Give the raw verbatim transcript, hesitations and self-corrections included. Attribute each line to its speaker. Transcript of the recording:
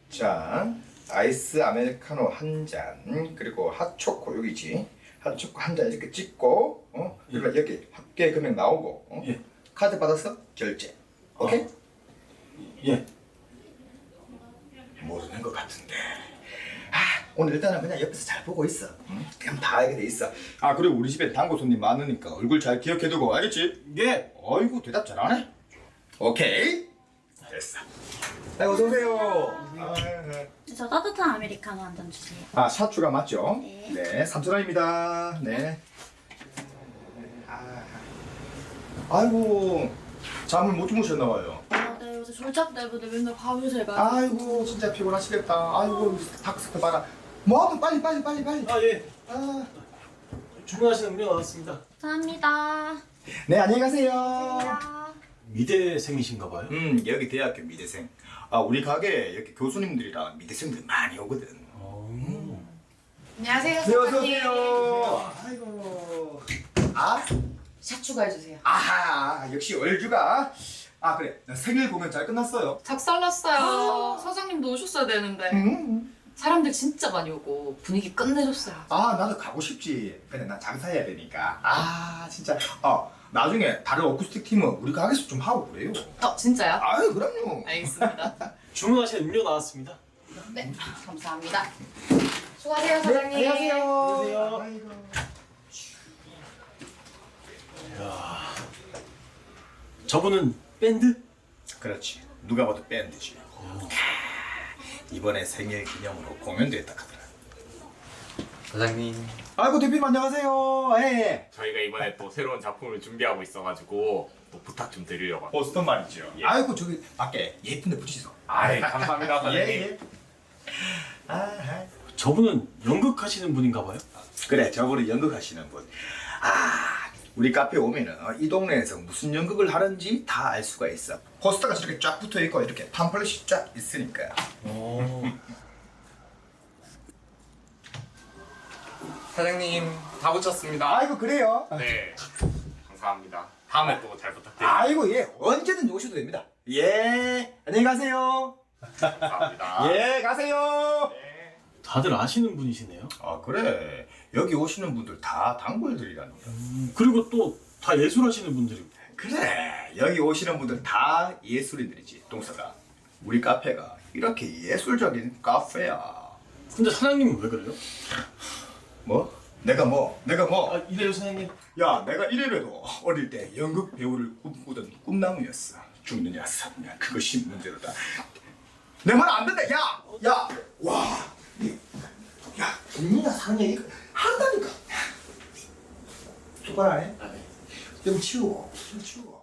Speaker 1: 자, 아이스 아메리카노 한 잔, 그리고 핫초코 여기지. 핫초코 한 잔 이렇게 찍고, 어? 그리고
Speaker 2: 예.
Speaker 1: 여기 합계 금액 나오고, 어?
Speaker 2: 예.
Speaker 1: 카드 받아서 결제. 오케이?
Speaker 2: 어. 예.
Speaker 1: 모르는 것 같은데. 아, 오늘 일단은 그냥 옆에서 잘 보고 있어. 응? 그냥 다 알게 돼 있어. 아, 그리고 우리 집에 단골 손님 많으니까 얼굴 잘 기억해두고 알겠지?
Speaker 2: 예.
Speaker 1: 어이구, 대답 잘하네. 오케이. 됐어. 아, 어서 오세요. 아,
Speaker 3: 저 따뜻한 아메리카노 한 잔 주세요.
Speaker 1: 아, 샤추가 맞죠?
Speaker 3: 네.
Speaker 1: 네, 삼천 원입니다. 네. 아, 아이고, 잠을 못 주무셨나 봐요.
Speaker 3: 아, 네, 요새 졸작 때문에 맨날 밤을 새가지고.
Speaker 1: 아이고, 진짜 피곤하시겠다. 아이고, 닥스크 봐라. 뭐하든 빨리 빨리 빨리 빨리.
Speaker 2: 아 예.
Speaker 1: 아.
Speaker 2: 주문하신 음료 나왔습니다.
Speaker 3: 감사합니다.
Speaker 1: 네, 안녕히 가세요.
Speaker 3: 야.
Speaker 2: 미대생이신가 봐요.
Speaker 1: 음, 여기 대학교 미대생. 아, 우리 가게에 여기 교수님들이랑 미대생들 많이 오거든.
Speaker 2: 어.
Speaker 4: 안녕하세요,
Speaker 1: 네, 어서
Speaker 4: 사장님.
Speaker 1: 오세요. 아이고. 아,
Speaker 4: 샷 추가해주세요.
Speaker 1: 아하, 역시 얼주가. 아, 그래. 나 생일 공연 잘 끝났어요.
Speaker 4: 작살났어요. 사장님도 오셨어야 되는데.
Speaker 1: 음.
Speaker 4: 사람들 진짜 많이 오고 분위기 끝내줬어요.
Speaker 1: 아, 나도 가고 싶지. 근데 난 장사해야 되니까. 아, 진짜. 어, 나중에 다른 어쿠스틱 팀은 우리 가게에서 좀 하고 그래요.
Speaker 4: 어, 진짜요?
Speaker 1: 아유, 그럼요.
Speaker 4: 알겠습니다.
Speaker 2: 주문하신 음료 나왔습니다.
Speaker 4: 네, 감사합니다. 수고하세요, 사장님.
Speaker 1: 네, 안녕하세요.
Speaker 2: 안녕하세요.
Speaker 1: 아이고.
Speaker 2: 저분은 밴드?
Speaker 1: 그렇지. 누가 봐도 밴드지. 이번에 생일 기념으로 공연도 했다 하더라.
Speaker 5: 사장님.
Speaker 1: 아이고, 대표님 안녕하세요. 예.
Speaker 5: 저희가 이번에 또 새로운 작품을 준비하고 있어가지고 또 부탁 좀 드리려고.
Speaker 1: 보스턴 말이죠.
Speaker 5: 예.
Speaker 1: 아이고, 저기 밖에 예쁜데 붙이소.
Speaker 5: 아이 감사합니다 사장님.
Speaker 1: 예, 예. 아,
Speaker 2: 저분은 연극하시는 분인가 봐요.
Speaker 1: 그래, 저분이 연극하시는 분. 아, 우리 카페 오면은 이 동네에서 무슨 연극을 하는지 다 알 수가 있어. 포스터가 저렇게 쫙 붙어 있고 이렇게 팜플렛이 쫙 있으니까.
Speaker 2: 어.
Speaker 5: 사장님 다 붙였습니다.
Speaker 1: 아이고, 그래요.
Speaker 5: 네 감사합니다. 다음에 또 잘 부탁드립니다.
Speaker 1: 아이고, 예, 언제든 오셔도 됩니다. 예, 안녕히 가세요.
Speaker 5: 감사합니다.
Speaker 1: 예, 가세요.
Speaker 2: 다들 아시는 분이시네요.
Speaker 1: 아, 그래. 여기 오시는 분들 다 단골들이라는 거야.
Speaker 2: 음, 그리고 또 다 예술하시는 분들이고.
Speaker 1: 그래, 여기 오시는 분들 다 예술인들이지. 동서가 우리 카페가 이렇게 예술적인 카페야.
Speaker 2: 근데 사장님은 왜 그래요?
Speaker 1: 뭐? 내가 뭐? 내가 뭐?
Speaker 2: 아 이래요 사장님.
Speaker 1: 야, 내가 이래봬도 어릴 때 연극 배우를 꿈꾸던 꿈나무였어. 죽느냐 사느냐 그것이 문제로다. 내 말 안 된다. 야, 야, 와, 야, 죽느냐 사느냐 이거 한다니까. 똑바로 안 해? 좀 치우고, 좀 치우고.